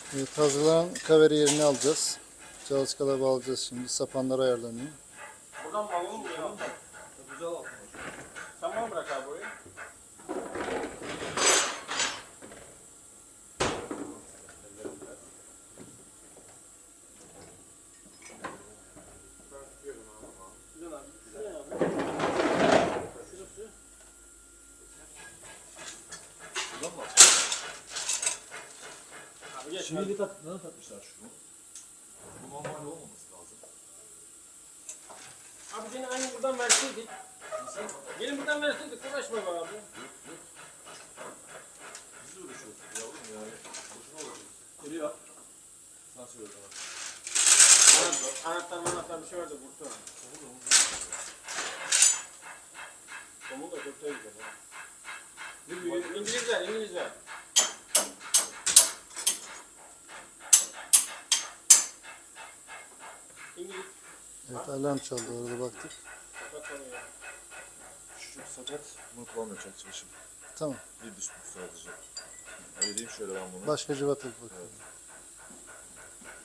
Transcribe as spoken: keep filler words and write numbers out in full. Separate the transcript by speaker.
Speaker 1: Evet, hazırlanan kaveri yerini alacağız. Çalışkalara bağlayacağız şimdi. Sapanlar ayarlanıyor.
Speaker 2: Buradan bağlayalım mı ya? Güzel olmuş. Sen bana bırak abi orayı. Ben tutuyorum abi. Güzel abi. Şuraya abi. Şurası.
Speaker 3: Buradan mı?
Speaker 2: Abi geç.
Speaker 3: Şimdi tak, neden takmışlar şunu? Bu normal olmaması lazım.
Speaker 2: Abi seni aynı buradan verseydik. Gelin buradan verseydik. Uğraşma be abi.
Speaker 3: Biz de uğraşıyoruz yavrum yani. Boşuna uğraşıyoruz. Geliyor. Sen söyle bana.
Speaker 2: Anahtar, anahtar, anahtar bir şey vardı burada. Tomu da çok da güzel. İngilizler, İngilizler. İngiliz.
Speaker 1: Evet, alarm çaldı, orada baktık.
Speaker 2: Kapat onu ya.
Speaker 3: Şu sakat, bunu kullanmayacak çalışım.
Speaker 1: Tamam.
Speaker 3: Bir düşmüş sadece. Ayırayım şöyle ben bunu.
Speaker 1: Başka cıvata bakalım.
Speaker 3: Evet.